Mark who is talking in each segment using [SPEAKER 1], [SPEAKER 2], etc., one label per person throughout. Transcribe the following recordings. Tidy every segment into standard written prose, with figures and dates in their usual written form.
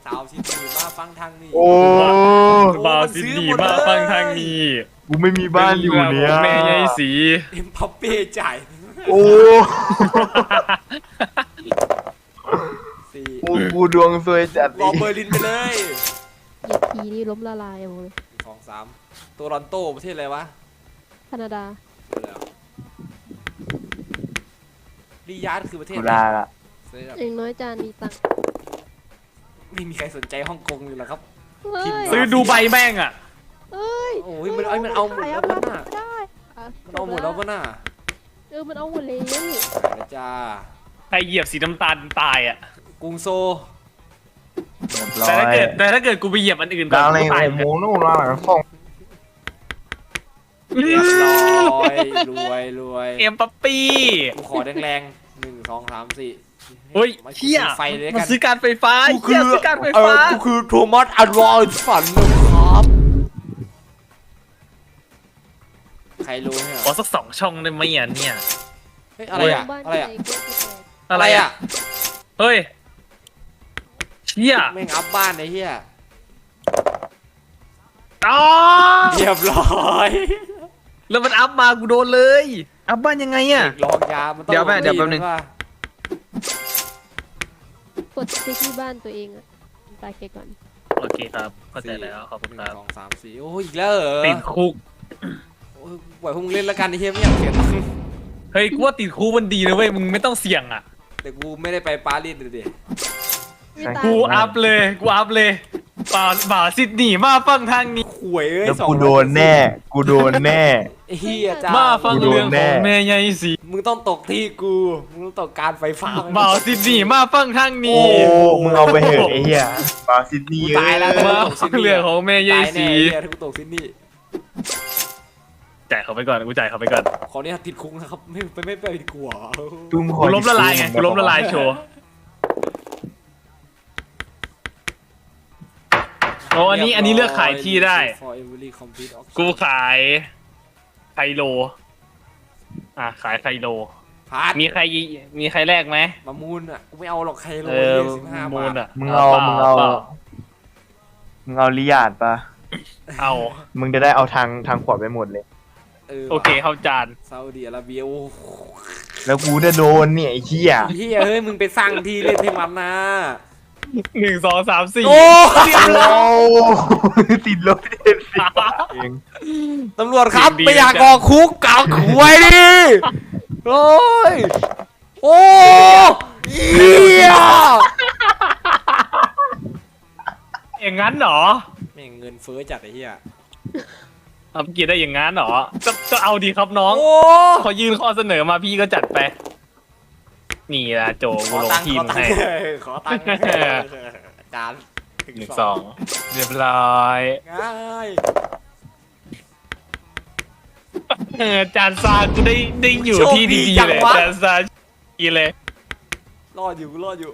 [SPEAKER 1] สาวซิดนีย์มาฟังทางนี้
[SPEAKER 2] โอ้
[SPEAKER 3] บ่าวซิดนีย์มาฟังทางนี้
[SPEAKER 2] กูไม่มีบ้านอยู่เนี่ย
[SPEAKER 3] แม่ยายสี
[SPEAKER 1] เอ็มพัปเป้จ่าย
[SPEAKER 2] โอ้
[SPEAKER 1] สี่
[SPEAKER 2] กูดวงซวยจัด
[SPEAKER 1] รอเบอร์ลินไปเลย
[SPEAKER 4] เหยียบทีนี่ล้มละลายหมดเลย
[SPEAKER 1] 2 3ตัวรอนโตประเทศอะไรวะ
[SPEAKER 4] แคนาดา
[SPEAKER 1] ริยาดคือประเทศ
[SPEAKER 2] กู
[SPEAKER 1] อะไร
[SPEAKER 2] ลาละ
[SPEAKER 4] เองน้อยจานมีตังค์
[SPEAKER 1] ไม่มีใครสนใจฮ่องกงเลยหรอครับ
[SPEAKER 4] เฮ้ย
[SPEAKER 3] ซื้อดูใบแม่งอ่ะ
[SPEAKER 4] เอ้ย
[SPEAKER 1] โอ้ยมันเอาหมดแล้ว
[SPEAKER 4] ขาย
[SPEAKER 1] ป่ะน่ะ
[SPEAKER 4] ไม่ได้ะ
[SPEAKER 1] มันเอาหมดแล้วป่ะน่ะ
[SPEAKER 4] มันเอาหมดแล้ว
[SPEAKER 1] ขายแล้วจ้า
[SPEAKER 3] ใครเหยียบสีน้ำตาลตายอ่ะ
[SPEAKER 1] กรุงโซ
[SPEAKER 2] เรียบร้อย
[SPEAKER 3] แต่ถ้าเกิดกูไปเหยียบอันอื่น
[SPEAKER 2] ดาวอะไร
[SPEAKER 3] กูตาย
[SPEAKER 2] โอ้โหนู่นมาหลังส่ง
[SPEAKER 1] เรียบร้อยรวย
[SPEAKER 3] เอ็มปั๊ปปี้
[SPEAKER 1] กูขอแรงๆ1 2 3 4
[SPEAKER 3] เฮ้ย
[SPEAKER 1] มา
[SPEAKER 3] เฮีย
[SPEAKER 1] ไฟเลย
[SPEAKER 3] มัน
[SPEAKER 1] กัน
[SPEAKER 3] ซื้อการไฟฟ้าเฮียซื้อการไฟฟ้า
[SPEAKER 1] กูคือโทมัสอัลวอร์ฝันนะครับใครรู้เนี่ย
[SPEAKER 3] ขอสัก2 ช่องได้ไหมอ่ะเนี่ย
[SPEAKER 1] เฮ้ยอะไรอะ
[SPEAKER 4] บ้าน
[SPEAKER 1] อะไรอะ
[SPEAKER 4] ใหญ่ก็คือแตก
[SPEAKER 1] อะไรอะ
[SPEAKER 3] เฮ้ยเฮีย
[SPEAKER 1] แม่งอัพบ้านไอ้เหี้ย
[SPEAKER 3] อ๋อ
[SPEAKER 1] เรียบร้อย
[SPEAKER 3] แล้วมันอัพมากูโดนเลย อัพบ้านยังไงอ่ะ
[SPEAKER 1] ลองยามันต้อง
[SPEAKER 3] เดี๋ยวแม่เดี๋ยวแป๊บนึง
[SPEAKER 1] ว่า
[SPEAKER 4] กดติ๊กที่บ้านตัวเองอะตายเกก่อน
[SPEAKER 3] โอเคครับเข้าใจแล้วขอบคุณครับ
[SPEAKER 1] 1 2 3 4โอ้ยอีกแล้วเหรอ
[SPEAKER 3] ติดคุก
[SPEAKER 1] โอ้ยปล่อยพวกมึงเล่นแล้วกันไอ้เหี้ยไม่อยากเสียตังค์
[SPEAKER 3] เฮ้ยกูว่าติดคุกมันดีนะเว้ยมึงไม่ต้องเสี่ยงอ่ะ
[SPEAKER 1] แต่กูไม่ได้ไปปารีสเลยดิ
[SPEAKER 4] ไม่ตาย
[SPEAKER 3] กูอัพเลยบ่าวซิดนีย์มาฟังทางนี้
[SPEAKER 1] ข่วยเอ้ย
[SPEAKER 2] แล้ว
[SPEAKER 1] สอง
[SPEAKER 2] กูโดนแน่กูโดนแน่
[SPEAKER 1] ไอ้เหี้ยจ้า
[SPEAKER 3] มาฟัง
[SPEAKER 2] กูโดน
[SPEAKER 3] เรื่อง
[SPEAKER 2] แน่
[SPEAKER 3] ของแม่ยายสี
[SPEAKER 1] มึงต้องตกที่กูมึงต้องตกการไฟฟ้า
[SPEAKER 3] บ่าวซิดนีย์มาฟังทาง
[SPEAKER 2] โอ้
[SPEAKER 3] นี้
[SPEAKER 2] มึงเอาไปเหอะไอ้เหี้ยบาซิดนี
[SPEAKER 1] กู
[SPEAKER 2] ย์
[SPEAKER 1] ตายแล้ว
[SPEAKER 3] มาฟังเรื่องของแม่ยาย
[SPEAKER 1] ตายแน่
[SPEAKER 3] สี
[SPEAKER 1] ไอ้เหี้ยถ้ากูตกซิดนีย์
[SPEAKER 3] จ่ายเขาไปก่อนกูจ่ายเขาไปก่อน
[SPEAKER 1] ขอเนี่ยติดคุกนะครับไม่ไปดีกว่า
[SPEAKER 2] ตุ้มข
[SPEAKER 3] กู
[SPEAKER 2] อ
[SPEAKER 3] ล้มละลายไงกูล้มละลายโชว์โอ้อันนี้เลือกขายที่ได้
[SPEAKER 1] For every complete auction
[SPEAKER 3] กูขายไคโลขายไคโล
[SPEAKER 1] พาร์ท
[SPEAKER 3] มีใครแลกไหม
[SPEAKER 1] มามูลอ่ะกูไม่เอาหรอกใครโล
[SPEAKER 3] เออ
[SPEAKER 1] 15
[SPEAKER 3] มู
[SPEAKER 1] บา
[SPEAKER 3] ล
[SPEAKER 1] ท
[SPEAKER 3] อ่ะ
[SPEAKER 2] มึงเอา
[SPEAKER 3] ปล่
[SPEAKER 2] มึงเอาลิยาดปะ
[SPEAKER 3] เอา
[SPEAKER 2] มึงจะได้เอาทางขวาไปหมดเลย
[SPEAKER 3] โอเคเข้าจาน
[SPEAKER 1] ซาอุดิอาระเบียโอ้โห
[SPEAKER 2] แล้วกูจะโดนเนี่ยไอ้เหี้ย
[SPEAKER 1] เฮียเฮ้ยมึงไปสร้างที่เล่นให้มันนะ
[SPEAKER 3] 1 2 3 4
[SPEAKER 1] โอ้เรียบร้
[SPEAKER 2] โอ้
[SPEAKER 1] อย
[SPEAKER 2] ติดลบเด็ดสิเอง
[SPEAKER 1] ตำรวจครับ
[SPEAKER 3] สิ่งดี
[SPEAKER 1] ไม่อยาก
[SPEAKER 3] จัง
[SPEAKER 1] ออกคุกเก่าขวยดิโอ้ยโอ้เฮีย
[SPEAKER 3] อย่างนั้นเหรอ
[SPEAKER 1] แม่งเงินเฟ้อจัดไอ้เฮีย
[SPEAKER 3] เอาเกียรติได้อย่างนั้นเหรอก็เอาดีครับน้อง
[SPEAKER 1] โอ้
[SPEAKER 3] ขอยื่นข้อเสนอมาพี่ก็จัดไป นี่ละโจ
[SPEAKER 1] ข
[SPEAKER 3] กู
[SPEAKER 1] อ
[SPEAKER 3] ลง
[SPEAKER 1] ตังค์
[SPEAKER 3] ทีม
[SPEAKER 1] ขอตัง
[SPEAKER 3] ให้
[SPEAKER 1] ค์ขอตังค์จาน
[SPEAKER 3] 1 2เรียบร้อย
[SPEAKER 1] ง่าย
[SPEAKER 3] จานซากูได้อยู่ที่ดีๆเลยจานซาดีเลย
[SPEAKER 1] รอดอยู่รอดอยู่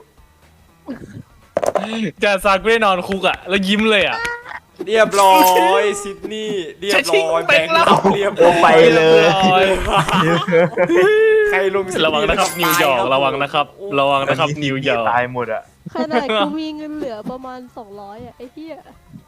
[SPEAKER 3] จานซากูได้นอนคุกอ่ะแล้วยิ้มเลยอ่ะ
[SPEAKER 1] เรียบร้อยซิดนีย์เรียบร้อยแบงค์รับเรียบร้อย
[SPEAKER 2] ไปเลย
[SPEAKER 1] ใครลงซิดนีย์
[SPEAKER 3] ระวังนะครับนิวยอร์กระวังนะครับระวังนะครับนิวยอร์ก
[SPEAKER 2] ตายหมดอ่ะ
[SPEAKER 4] ขนาดกูมีเงินเหลือประมาณ200อะไอ้เหี้ย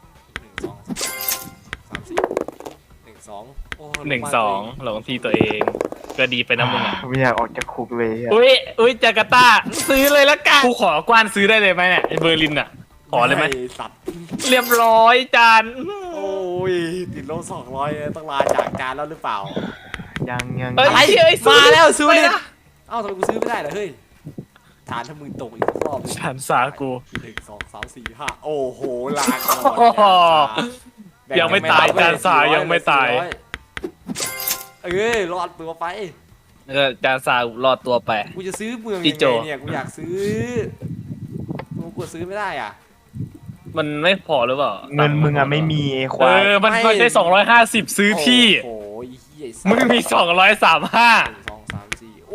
[SPEAKER 1] 1 2 3 4 1 2
[SPEAKER 3] 1 2ลงที่ตัวเองก็ดีไปนะมึงอ่ะ
[SPEAKER 2] ไม่อยากออกจากคุกเลยอะ
[SPEAKER 3] อุ้ยจาการ์ตาซื้อเลยละกันกูขอกว้านซื้อได้เลยไหมเนี่ยไอ้เบอร์ลินอ่ะขอเลยไหม
[SPEAKER 1] สัตว์
[SPEAKER 3] เรียบร้อยจาน
[SPEAKER 1] โอ้ยติดลบ200ต้องลาจากจานแล้วหรือเปล่า
[SPEAKER 2] ยัง
[SPEAKER 1] อะไร
[SPEAKER 3] เอ้ย
[SPEAKER 1] มาแล้วซื้อ
[SPEAKER 3] ไป
[SPEAKER 1] เลย
[SPEAKER 3] นะ
[SPEAKER 1] เอ้าทำไมกูซื้อไม่ได้เหรอเฮ้ยฐานถ้ามึงตกอีกรอบ
[SPEAKER 3] จานซากู
[SPEAKER 1] 1 2 3 4 5โอ้โหลาก่อน
[SPEAKER 3] โอ้โหยังไม่ตายจานสายังไม่ตาย
[SPEAKER 1] เอ้ยรอดตัวไป
[SPEAKER 3] จานซารอดตัวไป
[SPEAKER 1] กูจะซื้อเมือง
[SPEAKER 3] พี่
[SPEAKER 1] ยัง
[SPEAKER 3] โจ
[SPEAKER 1] ไงเนี่ยกูอยากซื้อกูกดซื้อไม่ได้อ่ะ
[SPEAKER 3] มันไม่พอหรือเปล่า
[SPEAKER 2] เงินมึงอ่ะไม่มีไอ้ควาย
[SPEAKER 3] มันก็ได้250ซื้อที่
[SPEAKER 1] โอ้ยเฮีย
[SPEAKER 3] มึงมี235
[SPEAKER 1] 1 2 3 4โอ้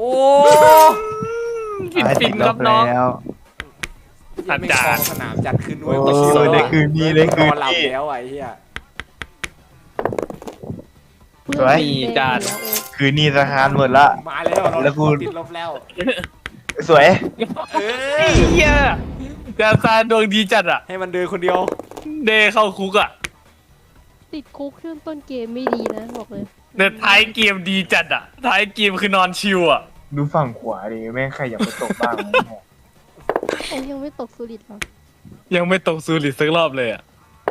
[SPEAKER 3] ฟินครับน้อง
[SPEAKER 2] แล้ว
[SPEAKER 1] ยังไม่
[SPEAKER 3] อาจารย์
[SPEAKER 1] คลองสนามจัดขึ้นด้วย
[SPEAKER 2] โอ้ยได้คืนนี้ได้คืนนี้
[SPEAKER 1] นอนหลับแล้วไอ้เหี้ย
[SPEAKER 2] สวย
[SPEAKER 3] มีจาน
[SPEAKER 2] คืนนี้ทหารหมดละ
[SPEAKER 1] มาแล้วเรา
[SPEAKER 2] แล้วกู
[SPEAKER 1] ติดลบแล้ว
[SPEAKER 2] สวย
[SPEAKER 1] เอ้ย
[SPEAKER 3] เฮียจานซานดวงดีจัดอ่ะ
[SPEAKER 1] ให้มันเดินคนเดียว
[SPEAKER 3] เดเข้าคุกอ่ะ
[SPEAKER 4] ติดคุกช่วงต้นเกมไม่ดีนะบอกเลย
[SPEAKER 3] แต่ท้ายเกมดีจัดอ่ะท้ายเกมคือนอนชิวอ่ะ
[SPEAKER 2] ดูฝั่งขวาดิแม่งใครอยากไปตกบ้างวะเนี่ย
[SPEAKER 4] ไอ้ยังไม่ตกสุริตหรอ
[SPEAKER 3] ยังไม่ตกซูริตสักรอบเลยอ่ะ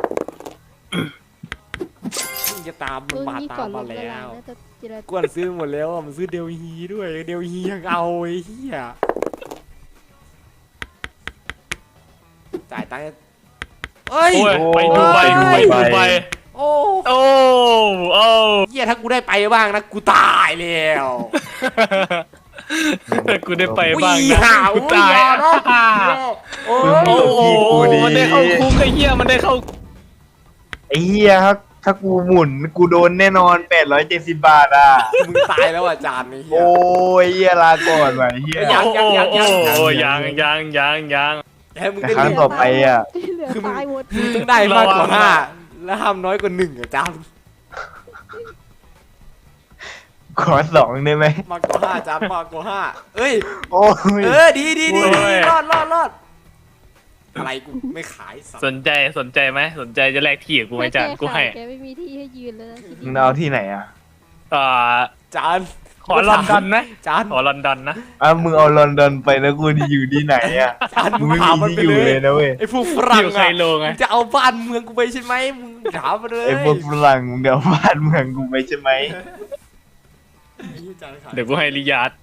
[SPEAKER 1] มึงจะตามมัน
[SPEAKER 4] รุ่น
[SPEAKER 1] มา
[SPEAKER 4] นี้
[SPEAKER 1] ตา
[SPEAKER 4] ก่อ
[SPEAKER 1] ม
[SPEAKER 4] นล
[SPEAKER 1] มาง
[SPEAKER 4] ละ
[SPEAKER 1] แล้
[SPEAKER 4] ลายว น่าจะเจร
[SPEAKER 1] กวนซื้อหมดแล้วอะมันซื้อเดลฮีด้วยเดลฮียังเอาไอ้เหี้ยจ่ายตังค์เอ้ย
[SPEAKER 3] โอ้ยไปดูไปไปดูไป
[SPEAKER 1] โอ้
[SPEAKER 3] โอ้โอ้
[SPEAKER 1] เหี้ยถ้ากูได้ไปบ้างนะกูตายแล้ว
[SPEAKER 3] ถ้ากูได้ไปบ้าง
[SPEAKER 1] อุ้ย
[SPEAKER 3] นะ
[SPEAKER 1] ห่า
[SPEAKER 3] กูตาย
[SPEAKER 1] อุ้ยอย่านะโอ้
[SPEAKER 3] โอ้
[SPEAKER 1] ย
[SPEAKER 3] โหมันได้เข้าคุกไอ้เหี้ยมันได้เข้า
[SPEAKER 2] ไอ้เหี้ยถ้ากูหมุนกูโดนแน่นอน870 บาทอ่ะ
[SPEAKER 1] มึงตายแล้วอาจารย์ไอ้เหี้ย
[SPEAKER 2] โอ้ยเหี้ยลาก่อนว่ะไอ้เหี้ย
[SPEAKER 1] ยัง
[SPEAKER 3] โอ้โอ้ยัง
[SPEAKER 1] ให้มึง
[SPEAKER 2] แต่
[SPEAKER 1] ได้
[SPEAKER 2] ครั้งต่อไปอ่ะ
[SPEAKER 4] ที่เหลือตายหมด
[SPEAKER 1] มึงต้องได้มากกว่า5แล้วห้ามน้อยกว่า1อาจารย์
[SPEAKER 2] ขอ2ได้ไหม
[SPEAKER 1] มากกว่า5อาจารย์มากกว่า5เอ้ย
[SPEAKER 2] โอ้ย
[SPEAKER 1] ดีรอดอะไรกูไม่ขายสัตว์
[SPEAKER 3] สนใจไหมสนใจจะแลกที่กับกูไหมจานกูให้
[SPEAKER 4] แกไม่มีที่ให้ยืนแล้วนะที
[SPEAKER 2] มึ
[SPEAKER 4] นี้
[SPEAKER 2] งเอาที่ไหนอ่ะ
[SPEAKER 1] จาน
[SPEAKER 3] ขอลอนดอนนะ
[SPEAKER 1] จาน
[SPEAKER 3] ขอลอนดอนนะ
[SPEAKER 2] มึงเอาลอนดอนไปแล้วกูจะอยู่ที่ไหนอ่ะ
[SPEAKER 1] จาน
[SPEAKER 2] มึ
[SPEAKER 1] มึ
[SPEAKER 2] ง
[SPEAKER 1] ง
[SPEAKER 2] ไม่
[SPEAKER 1] ถาม
[SPEAKER 2] มี
[SPEAKER 1] มันไป
[SPEAKER 2] ที่อยู่
[SPEAKER 1] เล
[SPEAKER 2] เลย ยนะเว้ย
[SPEAKER 1] ไอ้พวกฝรั่ง
[SPEAKER 3] อยู่ไค
[SPEAKER 1] อะ
[SPEAKER 3] โลไง
[SPEAKER 1] มึงจะเอาบ้านเมืองกูไปใช่ไหมมึงถามมาเลย
[SPEAKER 2] ไอ้พวกฝรั่งมึงเดี๋ยวบ้านเมืองกูไปใช่ไหม
[SPEAKER 3] เดี๋ยวกูให้ริยาด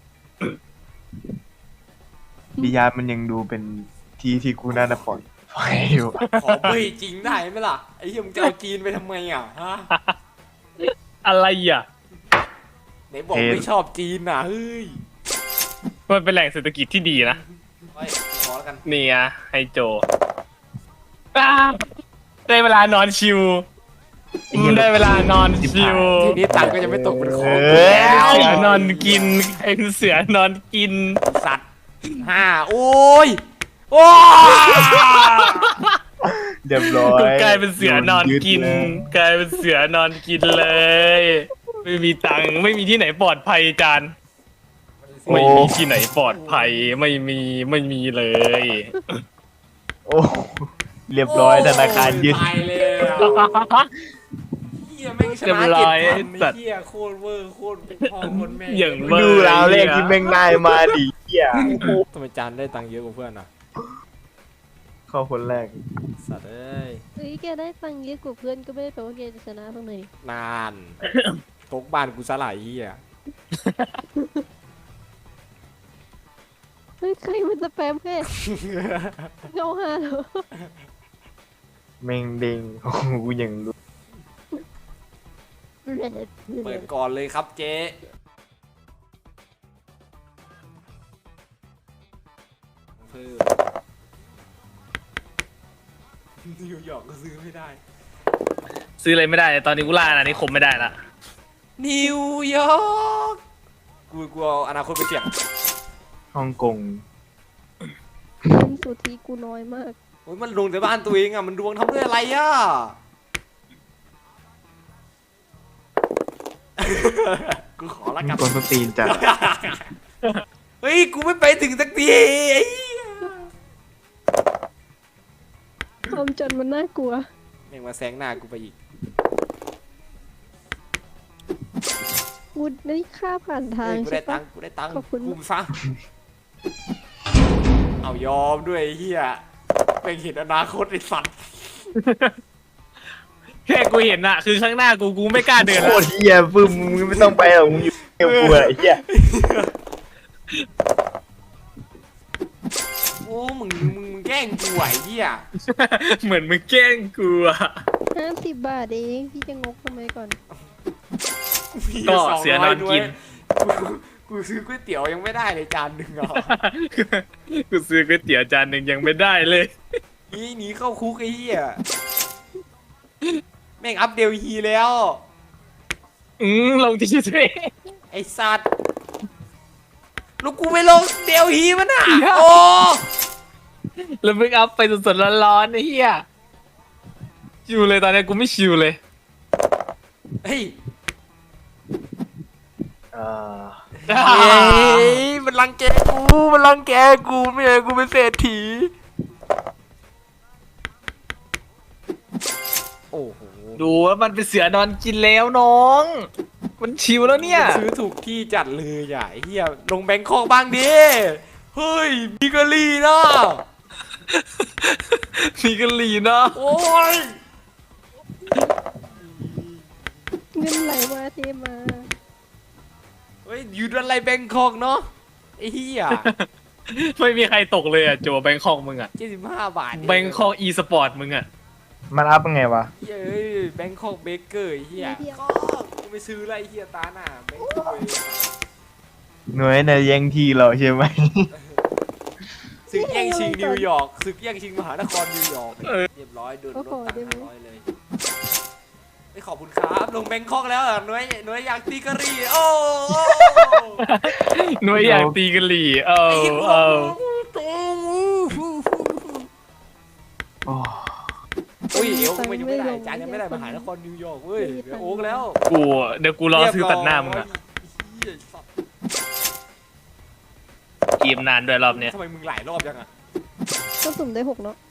[SPEAKER 2] ดิยามันยังดูเป็นที่กูน่าจะปลอดภัยอยู่
[SPEAKER 1] ขอเบ้ยจริงได้ไหมล่ะไอ้เหี้ยมึงจะเอาจีนไปทำไมอ่ะฮะ
[SPEAKER 3] อะไรอ่ะ
[SPEAKER 1] ไหนบอกไม่ชอบจีนอ่ะเฮ้ย
[SPEAKER 3] มันเป็นแหล่งเศรษฐกิจที่ดีนะ
[SPEAKER 1] ไว้ขอแล้วกัน
[SPEAKER 3] นี่ไงให้โจได้เวลานอนชิวได้เวลานอนชิว
[SPEAKER 1] ทีนี้ตังค์ก็จะไม่ตกเป็นของ
[SPEAKER 2] เอ
[SPEAKER 1] กู
[SPEAKER 2] อ
[SPEAKER 1] แล้ว
[SPEAKER 3] เสือนอนกินเป็นเสือนอนกิน
[SPEAKER 1] สัตว์5โอ้ยโอ้ย
[SPEAKER 2] เรียบร้อย
[SPEAKER 3] กลายเป็นเสือนอนกิน
[SPEAKER 2] โดยึดเลย
[SPEAKER 3] กลายเป็นเสือนอนกินเลย ไม่มีตังค์ไม่มีที่ไหนปลอดภัยจานไม่มีที่ไหนปลอดภัยไม่มีเลย
[SPEAKER 2] โอ้เรียบร้อยธนาคารยึด
[SPEAKER 1] ตายแล้วเฮียแม่งชนะ7,000ไอ้เฮียโคตรเวอร์โคตรเป็นพ่อโคตรแม่
[SPEAKER 3] อย่าง
[SPEAKER 2] ดูราวเลขที่แม่งได้มาดิเหี้ย
[SPEAKER 1] ทำไมจานได้ตังค์เยอะกว่าเพื่อนอ่ะ
[SPEAKER 2] เข้าคนแรก
[SPEAKER 1] สัตว์เอ้ย
[SPEAKER 4] เฮ้ยแกได้ตังค์เยอะกว่าเพื่อนก็ไม่ได้แปลว่าแกจะชนะเพิ่งเลย
[SPEAKER 1] นานตกบ้านกูสลายเฮีย
[SPEAKER 4] เฮ้ยใครมันสแปมแค่เงาหาเหรอ
[SPEAKER 2] แม่งเด้งโอ้โหกูยังรู้
[SPEAKER 1] เปิดก่อนเลยครับเจ๊เพิ่มนิวยอร์กก็ซื้อไม่ได้
[SPEAKER 3] ซื้ออะไรไม่ได้ตอนนี้กูล่าอาณานิคมไม่ได้ละ
[SPEAKER 1] นิวยอร์กกูเอาอนาคตไปเสี่ยง
[SPEAKER 2] ฮ่องกง
[SPEAKER 4] เงินสุทธิกูน้อยมาก
[SPEAKER 1] โอ้ยมันลงแต่บ้านตัวเองอ่ะมันดวงทำด้วยอะไรอ่ะ กูขอละกัน
[SPEAKER 2] คนสตีนจัด
[SPEAKER 1] เฮ้ยกูไม่ไปถึงสักทีไอ้เหี้ย
[SPEAKER 4] ความจนมันน่ากลัว
[SPEAKER 1] แม่งมาแซงหน้ากูไปอีก
[SPEAKER 4] กูได้ค่าผ่านทาง
[SPEAKER 1] เฮ้ยกู
[SPEAKER 4] ใช่
[SPEAKER 1] ได้ตั
[SPEAKER 4] ปะ
[SPEAKER 1] งค์กูได้ตังค์
[SPEAKER 4] ขอบคุณ
[SPEAKER 1] กุมซะเอายอมด้วยไอ้เฮียเป็นเห็นอนาคตไอ้สัตว์
[SPEAKER 3] แค่กูเห็นอะคือข้างหน้ากูไม่กล้าเดิน
[SPEAKER 2] โค
[SPEAKER 3] ละ
[SPEAKER 2] ตรเหี้ยปึ้มมึงไม่ต้องไปหรอกมึงอยู่เกี่ยวกูอะไอ้เหี้ย
[SPEAKER 1] โอ้มึงแกล้งกูไอ้เฮีย
[SPEAKER 3] เหมือนมึงแกล้งกูอะ
[SPEAKER 4] 50 บาทเองพี่จะงกทำไมก่อน
[SPEAKER 3] ก็เสือนอนกิน
[SPEAKER 1] กูซื้อก๋วยเตี๋ยวยังไม่ได้เลยจานหนึ่งอ่ะ
[SPEAKER 3] กูซื้อก๋วยเตี๋ยวจานหนึ่งยังไม่ได้เลย
[SPEAKER 1] หนีเข้าคุกไอ้เหี้ยแม่งอัพเดลฮีแล้ว
[SPEAKER 3] ลงที่ชื่อตัวเอง
[SPEAKER 1] ไอ้สัตว์ลูกกูไปลงเดลฮีมันอ่ะโอ้
[SPEAKER 3] แล้วมึงอัพไปสดๆร้อนๆไอ้เหี้ยชิวเลยตอนนี้กูไม่ชิวเลย
[SPEAKER 1] เฮ้ย
[SPEAKER 2] อ่า
[SPEAKER 1] มันรังแกกูไม่ให้กูเป็นเศรษฐีโอ้โห
[SPEAKER 3] ดูว่ามันเป็นเสือนอนกินแล้วน้อง มันชิวแล้วเนี่ย
[SPEAKER 1] ซื้อถูกที่จัดเลยอ่ะไอ้เฮียลงแบงคอกบ้างดิเฮ้ยบิกลีนะ
[SPEAKER 3] มีกะหรี่นะ
[SPEAKER 1] โอ้ย
[SPEAKER 4] เงินไหลมาเทมา
[SPEAKER 1] เฮ้ยอยู่อะไรแบงคอกเนาะไอ้เฮีย
[SPEAKER 3] ไม่มีใครตกเลยอ่ะโจแบงคอกมึงอ่ะ
[SPEAKER 1] 75 บาท
[SPEAKER 3] แบงคอกอีสปอร์ตมึงอ่ะ
[SPEAKER 2] มันอัพยังไงวะ
[SPEAKER 1] เฮ้ยแบงคอกเบเกอร์ไอ้เฮียก็กูไม่ซื้ออะไรไอ้เฮียตาหน้าแบงคอก
[SPEAKER 2] หน่วยในแย่งที่เราใช่ไหม
[SPEAKER 1] ศึกแย่งชิงนิวยอร์กศึกแย่งชิงมหานครนิวยอร์กเรียบร้อยโดนลดตังค์500เลยไม่ขอบคุณครับลงแบงคอกแล้วหน่วยอยากตีกะหรี่โอ้
[SPEAKER 3] หน่วยอยากตีกะหรี่เออ
[SPEAKER 2] โอ้
[SPEAKER 1] อุ้ยเอวมันยังไม่ได้จานยังไม่ได้มหานครนิวยอร์กเว้ยเดี๋ยวโอ๊กแล้ว
[SPEAKER 3] เดี๋ยวกูรอซื้อตัดหน้ามึงอ่ะเกมนานด้วยรอบเนี้ย
[SPEAKER 1] ทำไมมึงหลายรอบยังอ่ะ
[SPEAKER 4] ก็สุ่มได้6เนาะ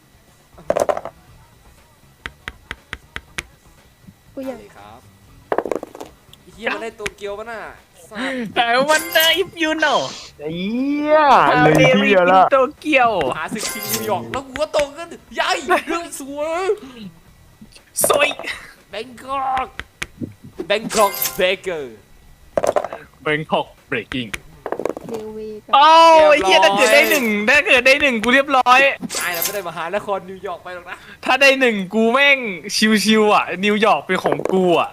[SPEAKER 4] กูอยาก
[SPEAKER 1] เลยครับไอ้เฮียมันได้โตเกียวป่ะน่ะ
[SPEAKER 3] แต่วันเดอร์อิฟยูโน่
[SPEAKER 2] ไอ้เหี้ยเลยที่เดียวละ
[SPEAKER 3] โตเกียว
[SPEAKER 1] มหาศึกชิงนิวยอร์กแล้วกูก็ตกกันใหญ่เรื่องสวย
[SPEAKER 3] สวย
[SPEAKER 1] แบงคอกเบเกอร์
[SPEAKER 3] แบงคอกเบรกกิ้ง
[SPEAKER 4] เดวเวกับ
[SPEAKER 3] โอ้ยเฮียถ้าเกิดได้หนึ่งกูเรียบร้อย
[SPEAKER 1] ไอ้เราไม่ได้มหานครนิวยอร์กไปหรอกนะ
[SPEAKER 3] ถ้าได้หนึ่งกูแม่งชิวๆอ่ะ นิวยอร์กเป็นของกูอ่ะ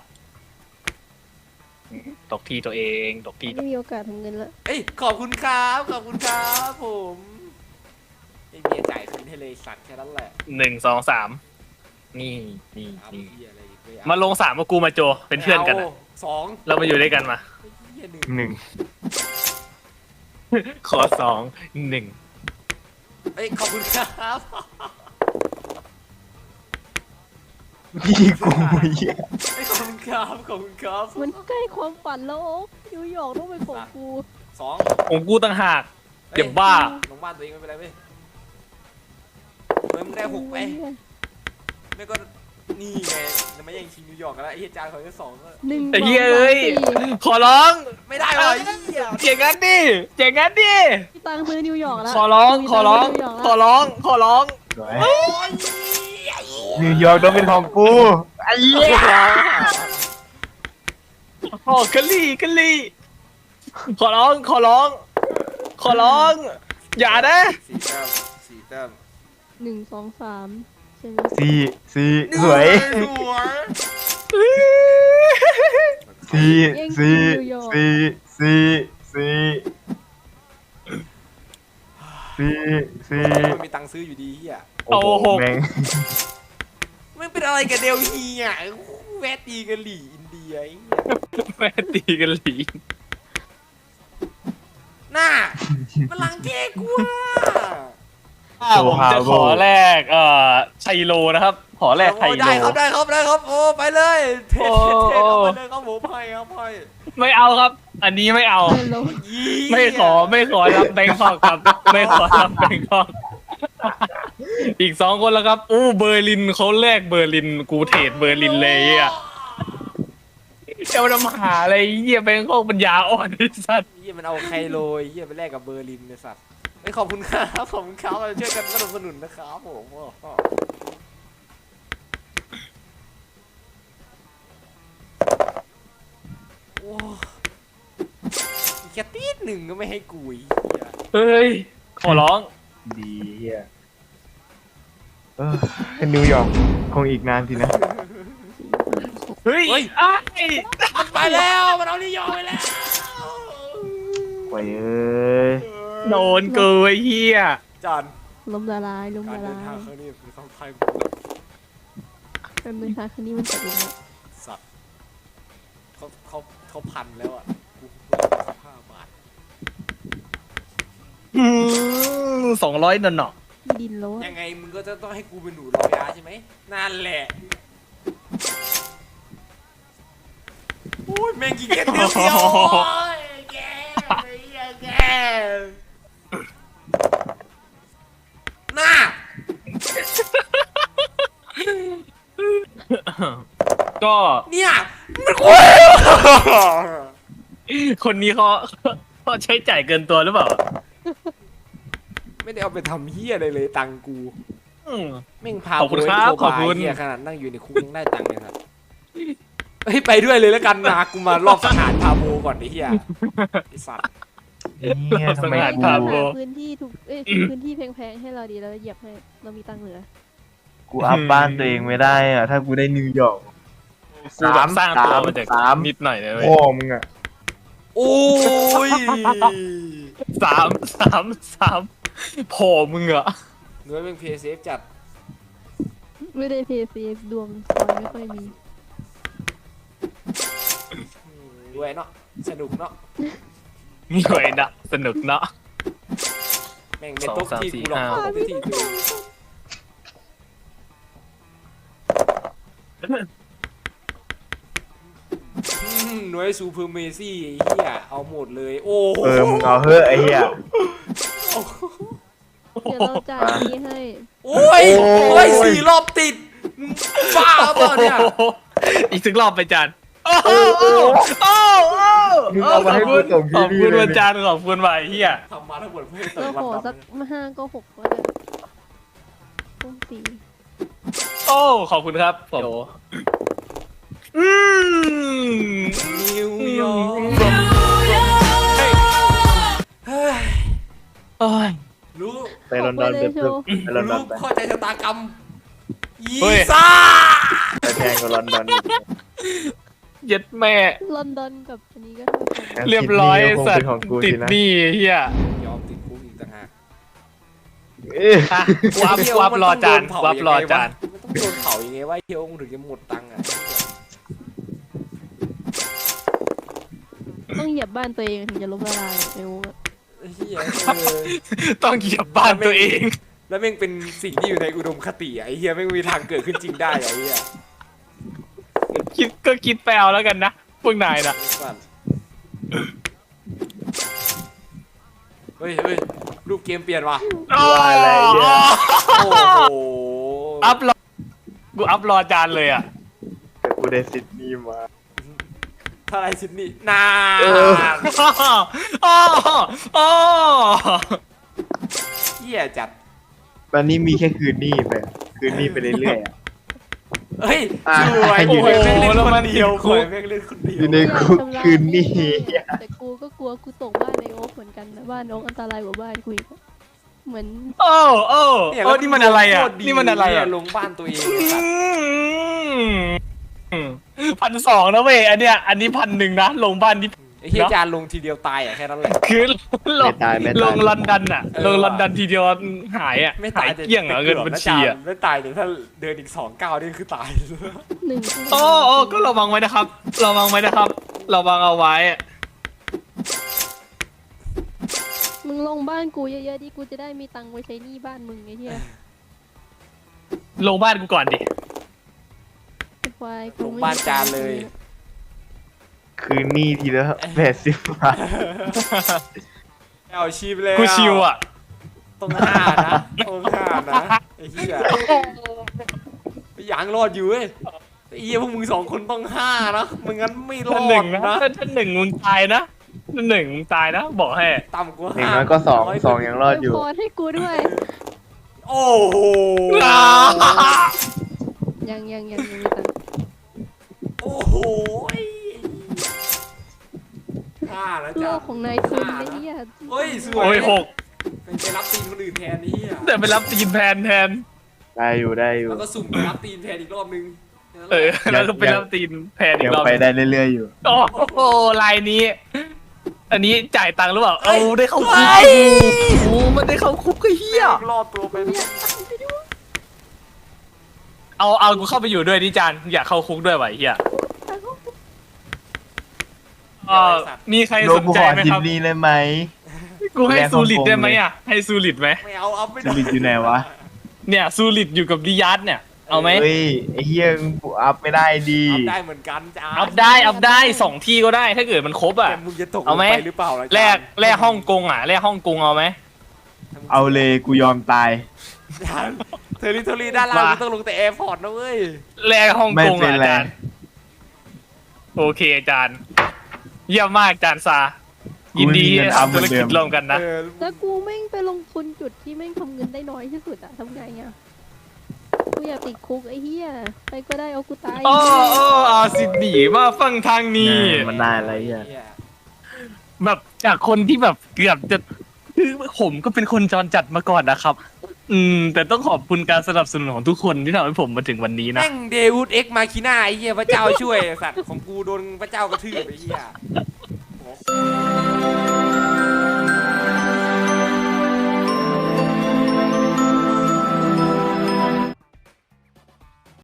[SPEAKER 3] ตกที่ตัวเองตกที่
[SPEAKER 4] ไม่มีโอกาสทำเงินละ
[SPEAKER 1] เอ้ยขอบคุณครับผมไอ้เมียจ่ายคืนให้เลยสัตว์แค่นั้นแหละ
[SPEAKER 3] 1 2 3นี่
[SPEAKER 1] เอาเหี้ยอะไรอีกเว้ย
[SPEAKER 3] มาลง3กับกูมาโจเป็นเพื่อนกันอะ
[SPEAKER 1] สอง
[SPEAKER 3] เรามาอยู่ด้วยกันมา
[SPEAKER 1] ไอ้เหี้ยหนึ่ง
[SPEAKER 2] หนึ่ง
[SPEAKER 3] ขอ2 1
[SPEAKER 1] เอ้ยขอบคุณครับ
[SPEAKER 2] พี่กูเหี้ย
[SPEAKER 1] เอ้ยขอบคุณครับ
[SPEAKER 4] มันใกล้ความฝันแล้วโอ๊คนิวยอร์กต้องเป็นของกู
[SPEAKER 1] สอง
[SPEAKER 3] ของกูต่างหากเดี๋ยวบ้า
[SPEAKER 1] ลงบ้านตัวเองไม่เป็นไรเว้ยเฮ้ยมึงได้6ไปไม่ก็นี่ไงจะมาแย่งชิงนิวยอร์กกันแล้วไอ้เหี้ยจานเขาแค่2ก็
[SPEAKER 4] หนึ่ง
[SPEAKER 3] ไอ้เหี้ย
[SPEAKER 4] สง
[SPEAKER 3] เอ้ย
[SPEAKER 4] สามสี่
[SPEAKER 3] ขอร้อง
[SPEAKER 1] ไม่ได้หรอไอ้เหี้ย
[SPEAKER 3] เจ๋งงั้นดิเจ๋งงั้นดิ
[SPEAKER 4] มีตังค์ซื้อนิวยอร์กแล้ว
[SPEAKER 3] ขอร้องขอร้อง
[SPEAKER 4] มีตัค์
[SPEAKER 3] ขอ
[SPEAKER 4] ซื้นิวยร์กแล้ว
[SPEAKER 3] ร้องขอร้อง
[SPEAKER 2] สวยนิวยอร์กต้องเป็นของกูไอ้เหี้ย
[SPEAKER 3] โอ้กะลี่ขอร้องขอร้อง อย่านะ
[SPEAKER 1] 4 แต้ม
[SPEAKER 4] 1 2 3ใช่ไหม
[SPEAKER 2] สี่สวยสี่
[SPEAKER 1] มันมีตังค์ซื้ออยู่ดีเหี้ย
[SPEAKER 2] โอ้โหแม่ง
[SPEAKER 1] ไม่เป็นอะไรกับเดลฮีอ่ะแวะตีกะหรี่อินเดียไอ้เหี้ย
[SPEAKER 3] แม่ตีกะหลี่
[SPEAKER 1] น่ามันลังเกกูอ่ะ
[SPEAKER 3] ผมจะขอแรกไชโลนะครับ ขอแรกไชโล
[SPEAKER 1] ได้ครับโอ้ไปเลยเท่เอาไปเลยครับผมให้
[SPEAKER 3] ไม่เอาครับ อันนี้ไม่เอา
[SPEAKER 4] ฮัลโหล
[SPEAKER 3] ไม่ขอรับแบงคอกครับ ไม่ขอรับแบงคอก อีก2 คนแล้วครับอู้เบอร์ลินเขาแลกเบอร์ลินกูเทรดเบอร์ลินเลยอ่ะเจ้าน้ำหาอะไรเหี้ยแบงคอกปัญญาอ่อนไอ้สัตว์
[SPEAKER 1] เหี้ยมันเอาไคโลเหี้ยไปแลกกับเบอร์ลินเนี่ยสัตว์ไม่ขอบคุณครับเราช่วยกันสนับสนุนนะครับผมโอ้แค่ตีหนึ่งก็ไม่ให้กูอีก
[SPEAKER 3] เฮ้ย ขอร้อง
[SPEAKER 2] ดีเฮียเป็นนิวยอร์กคงอีกนานทีนะ
[SPEAKER 3] เฮ้ยไอ้
[SPEAKER 1] ไปแล้วมันเอานิยมไปแล้ว
[SPEAKER 2] โอ้ยเอ้ย
[SPEAKER 3] โดนเกยเฮีย
[SPEAKER 1] จาน
[SPEAKER 4] ล้มละลาย
[SPEAKER 1] การเดินทางครั้งนี้คือต้องไทย
[SPEAKER 4] การเดินทางครั้งนี้มันตกลงแล้ว
[SPEAKER 1] สัตว์เขาพันแล้วอ่ะกู15 บาท
[SPEAKER 3] 200นั่นเนาะ
[SPEAKER 4] ดินแล้วอะ
[SPEAKER 1] ยังไงมึงก็จะต้องให้กูเป็นหนูรอยาใช่ไหมนั่นแหละโอ้ยแม่งกินแค่เดียวโอ้ยแกน่า
[SPEAKER 3] ก็
[SPEAKER 1] เนี่ยมันโอ้ย
[SPEAKER 3] คนนี้เขาใช้จ่ายเกินตัวหรือเปล่า
[SPEAKER 1] ไม่ได้เอาไปทำเฮียอะไรเลยตังค์กู
[SPEAKER 3] อืม
[SPEAKER 1] แม่งพา
[SPEAKER 3] ขอบคุณ
[SPEAKER 1] กู
[SPEAKER 3] ครับ
[SPEAKER 1] ไปโท
[SPEAKER 3] ขอบคุณ
[SPEAKER 1] เฮียขนาดนั่งอยู่ในคุกยังได้ตังค์เลยครับเฮ้ยไปด้วยเลยแล้วกันนะกูมารอบสังหารพาโบก่อนไอ้เฮียไอ้สัตว์
[SPEAKER 2] เนี่ยทำไม
[SPEAKER 3] สังหาร
[SPEAKER 2] กู
[SPEAKER 3] พาโบ
[SPEAKER 4] หาพื้นที่ถูกพื้นที่แพงๆให้เราดีแล้วเหยียบให้เรามีตังค์เหลือ
[SPEAKER 2] กูอัพบ้านตัวเองไม่ได้อ่ะถ้ากูได้นิวยอร์ก
[SPEAKER 3] กูแบบสร้างตัวมาจาก
[SPEAKER 2] สาม
[SPEAKER 3] นิดหน่อยเลยเว้ย
[SPEAKER 2] พ่อมึงอ่ะ
[SPEAKER 1] โอ้ย
[SPEAKER 3] สามโผล่มึงเหรอ
[SPEAKER 1] เนื้อเป็นเพย์เซฟจัด
[SPEAKER 4] ไม่ได้เพย์ซีดวงคอยไม่ค่อยมี
[SPEAKER 1] ด้วยเนาะสนุกเนาะ
[SPEAKER 3] มีไว้นะสนุกเนาะ
[SPEAKER 1] แม่งเป็นโต๊ะที่กูหลอก
[SPEAKER 3] 2 3 4
[SPEAKER 1] เข้าไปที่ตัวหน่วยซูเปอร์เมซี่ไอ้เหี้ยเอาหมดเลยโอ้โห
[SPEAKER 2] มึงเอาเฮ้ยไอ้เหี้ย
[SPEAKER 4] เดี๋ยวเราจ่ายนี้ให้
[SPEAKER 1] โอ้ย
[SPEAKER 2] โอ้ย
[SPEAKER 1] โอ้ย4 รอบติดมึงบ้าเปล่าเนี่ย
[SPEAKER 3] อีกสักรอบไปจานโอ้โหโอ้โห
[SPEAKER 2] มึงเอามาให้กูส่ง
[SPEAKER 3] ข
[SPEAKER 2] ที่
[SPEAKER 3] อบ
[SPEAKER 2] นี่
[SPEAKER 3] คุณ
[SPEAKER 2] เลย
[SPEAKER 3] วันจานขอบคุณว่ะไอ้เฮีย
[SPEAKER 1] ทำมาทั้งหมดเพื่อให้
[SPEAKER 4] ก็
[SPEAKER 1] เติม
[SPEAKER 4] ขอ
[SPEAKER 1] วัน
[SPEAKER 4] สัก
[SPEAKER 1] ดำ
[SPEAKER 4] 5ก็6แล้วกันต้อง4
[SPEAKER 3] โอ้ขอบคุณครับผมอืม
[SPEAKER 1] นิวยอร์กเฮ้ย
[SPEAKER 3] โอ้ย
[SPEAKER 1] รู้
[SPEAKER 2] ไปลอนดอนไปเพิ่มไปลอนดอน
[SPEAKER 1] รู้
[SPEAKER 2] ไป
[SPEAKER 1] เข้าใจชะตากรรมยี
[SPEAKER 3] เฮ้ย
[SPEAKER 1] ซ่า
[SPEAKER 2] ไปแพงกว่าลอนดอน
[SPEAKER 3] เย็ดแม่
[SPEAKER 4] ลอนดอนกับอันนี้ก็เท่ากัน
[SPEAKER 3] เรียบร้อย
[SPEAKER 2] ซิดนีย์ก็คง
[SPEAKER 3] สั
[SPEAKER 2] เป็
[SPEAKER 3] ต
[SPEAKER 2] น
[SPEAKER 3] ว์
[SPEAKER 2] ของกู
[SPEAKER 3] ติ
[SPEAKER 2] สิ
[SPEAKER 3] ด
[SPEAKER 2] นะ
[SPEAKER 3] หนี้เฮีย
[SPEAKER 1] ยอมติดคุกอีกต่างหาก
[SPEAKER 2] เอ้ย
[SPEAKER 3] อ่ะวับรอจานวับรอจาน
[SPEAKER 1] มันต้องโดนเผายังไงวะเฮียองค์ถึงจะหมดตังค์อ่ะ
[SPEAKER 4] ต้องเหยียบบ้านตัวเองถึงจะล้มละลายไอ้โอ้
[SPEAKER 1] เฮีย
[SPEAKER 3] ต้องเหยียบบ้านตัวเอง
[SPEAKER 1] แล้วแม่งเป็นสิ่งที่อยู่ในอุดมคติอ่ะไอ้เฮียแม่งมีทางเกิดขึ้นจริงได้อ่ะไอ้เฮีย
[SPEAKER 3] คิดไปเอาแล้วกันนะพวกนายนะ
[SPEAKER 1] เฮ้ยรูปเกมเปลี่ยนว่ะ
[SPEAKER 2] ว่าอะไรเนี่ย
[SPEAKER 1] โอ้โห
[SPEAKER 3] อัพรอกูอัพรอจานเลยอ่ะ
[SPEAKER 2] แต่กูได้ซิดนีย์มา
[SPEAKER 1] ถ้าไรซิดนีย์นาน
[SPEAKER 3] โอ้
[SPEAKER 1] เฮียจัด
[SPEAKER 2] ตอนนี้มีแค่คืนนี้ไปคืนนี้ไปเรื่อยๆอะ
[SPEAKER 1] เฮ้ย
[SPEAKER 2] อ่ะ
[SPEAKER 1] สวย
[SPEAKER 2] อยู่
[SPEAKER 1] โอ้
[SPEAKER 2] ใน
[SPEAKER 1] ยแม่งเล่น
[SPEAKER 3] แล้ว
[SPEAKER 1] ค
[SPEAKER 3] มัน
[SPEAKER 1] นเดียว
[SPEAKER 3] ติดคุ
[SPEAKER 1] โอ้
[SPEAKER 3] ก
[SPEAKER 1] ยแม่งเล่นคนเดียว
[SPEAKER 2] อยู่ในคุกคืนนี้
[SPEAKER 4] แต่กูก็กลัวกูตกบ้านไอโอ๊คเหมือนกันนะบ้านโอ๊คอันตรายกว่าบ้านกูอีกเหมือน
[SPEAKER 3] โอ้นี่มันอะไรอ่ะ
[SPEAKER 1] โคตดี
[SPEAKER 3] นี่มันอะไรอ่ะ
[SPEAKER 1] ลงบ้านตัวเองไอ้สัตว์
[SPEAKER 3] 1,200นะเว้ยอันเนี้ยอันนี้1,100นะลงบ้านนี่
[SPEAKER 1] ไอ้เฮียจานลงทีเดียวตายอ่ะแค่นั้นแหละ
[SPEAKER 3] คือลง
[SPEAKER 2] ไม่ตายไม่ตาย
[SPEAKER 3] ลงลอนดอนอ่ะ
[SPEAKER 1] เออ
[SPEAKER 3] ลงลอนดอนทีเดียวหายอ่ะ
[SPEAKER 1] ไม่
[SPEAKER 3] หา
[SPEAKER 1] ตาย
[SPEAKER 3] ยเกลี้ยงเหรอเงินบัญชีอ่ะ
[SPEAKER 1] ไม่ตายแต่ถ้าเดินอีก2 ก้าวนี่คือตาย
[SPEAKER 4] 1
[SPEAKER 3] โอ้ก็ระวังไว้นะครับระวังไว้นะครับระวังเอาไว้
[SPEAKER 4] มึงลงบ้านกูเยอะๆดิกูจะได้มีตังค์ไว้ใช้หนี้บ้านมึงไอ้เหี้ย
[SPEAKER 3] ลงบ้านกูก่อนดิ
[SPEAKER 4] ไอ้ควาย
[SPEAKER 1] ลงบ้านจานเลย
[SPEAKER 2] คืนนี้ทีละ80 บาท
[SPEAKER 1] เอาชีพเลย
[SPEAKER 3] กูชิวอ่ะ
[SPEAKER 1] ต้อง5นะต้อง5นะไอ้เหี้ยยังรอดอยู่เว้ยไอ้เหี้ยพวกมึง2 คนต้อง5นะไม่งั้นไม่รอ
[SPEAKER 3] ท่านหนึ่
[SPEAKER 1] ด
[SPEAKER 3] งนะ
[SPEAKER 1] นะ
[SPEAKER 3] ท่านหนึ่งมึงตายนะท่านหนึ่งมึงตายนะบอกให้
[SPEAKER 1] ต่ำกว่า
[SPEAKER 2] อย่างน้อยก็สองยังรอดอยู่
[SPEAKER 4] พอให้กูด้วย
[SPEAKER 1] โอ้โห
[SPEAKER 4] ยังมีตังค์
[SPEAKER 1] โอ้โห5แล้ว
[SPEAKER 4] โล
[SPEAKER 1] จ้ะ
[SPEAKER 4] กของนายทุนไอ้เหี้ย
[SPEAKER 1] เฮ้ยสวย
[SPEAKER 3] โอ้ย6
[SPEAKER 1] เป็นไปรับตีนคนอื่นแทนนี่อ่ะ
[SPEAKER 3] แต่ไปรับตีนแทน
[SPEAKER 2] ได้อยู่ได้อยู่
[SPEAKER 1] แล้วก็สุ่มไปรับตีนแทนอีกรอบนึง
[SPEAKER 3] แล้วก็ไปรับตีนแทนอี
[SPEAKER 2] ยัง
[SPEAKER 3] กรอบ
[SPEAKER 2] ไปได้เรื่อยๆอยู่
[SPEAKER 3] โอ้โหลายนี้ อันนี้จ่ายตังค์หรือเปล่าเอาได้เข้าคุกโอ้มันได้เข้าคุกก็เฮีย
[SPEAKER 1] รอดตัวไป
[SPEAKER 3] เอากูเข้าไปอยู่ด้วยดิจานอยากเข้าคุกด้วยวะไอ้เฮียมีใคร
[SPEAKER 2] โล
[SPEAKER 3] สน
[SPEAKER 2] กู
[SPEAKER 3] ใจ
[SPEAKER 2] ขอ
[SPEAKER 3] ไหม
[SPEAKER 2] จิ
[SPEAKER 3] คน รับ
[SPEAKER 2] นี่เลยไหม
[SPEAKER 3] กูให้ซูริตได้ไหมอ่ะให้ซูริตไหม
[SPEAKER 1] ไม่เอาไม่
[SPEAKER 2] ส
[SPEAKER 1] ได้
[SPEAKER 2] ลิดอยู่ไหนวะ
[SPEAKER 3] เนี่ยซูริตอยู่กับดิยัสเนี่ยเอาไหม
[SPEAKER 2] เฮ้ยไอ้เหี้ยกูอัพไม่ได้ดี
[SPEAKER 1] อัพได้เหมือนกันจ้า
[SPEAKER 3] อัพได้2 ที่ก็ได้ถ้าเกิดมันครบอ่ะ
[SPEAKER 1] แต่มึงจะตก
[SPEAKER 3] เอาไหม
[SPEAKER 1] ลงไปหรือเปล่าล่ะ
[SPEAKER 3] แลกฮ่องกงอ่ะแลกฮ่องกงเอาไหม
[SPEAKER 2] เอาเลยกูยอมตาย
[SPEAKER 1] เทอริทอรี่ด้านล่างมึงต้องลงแต่แอร์พอร์ตนะเว้ย
[SPEAKER 3] แลกฮ่อง
[SPEAKER 2] ไม่
[SPEAKER 3] กง
[SPEAKER 2] เป็น
[SPEAKER 3] อ่ะ
[SPEAKER 2] ไร
[SPEAKER 3] อาจารย์โอเคอาจารย์ เยี่ยมมากอาจารย์ซา ยินดีที่ทำธุรกิจร่วมกันนะ
[SPEAKER 4] แล้วกูแม่งไปลงทุนจุดที่แม่งทำเงินได้น้อยที่สุดอะทำไงอะกูอยากติดคุกไอ้เหี้ยไปก็ได้เอากูตาย
[SPEAKER 3] โอ้อาสิหนีมาฟังทางนี้
[SPEAKER 2] มันได้อะไรเงี้ย
[SPEAKER 3] แบบจากคนที่แบบเกือบจะคือผมก็เป็นคนจรจัดมาก่อนนะครับ แต่ต้องขอบคุณการสนับสนุนของทุกคนที่ทำให้ผมมาถึงวันนี้นะ
[SPEAKER 1] แม่งเดวูดเอ็กมาคิน่าไอ้เหี้ยพระเจ้าช่วยสัตว์ของกูโดนพระเจ้ากระทืบไอ้เหี้ย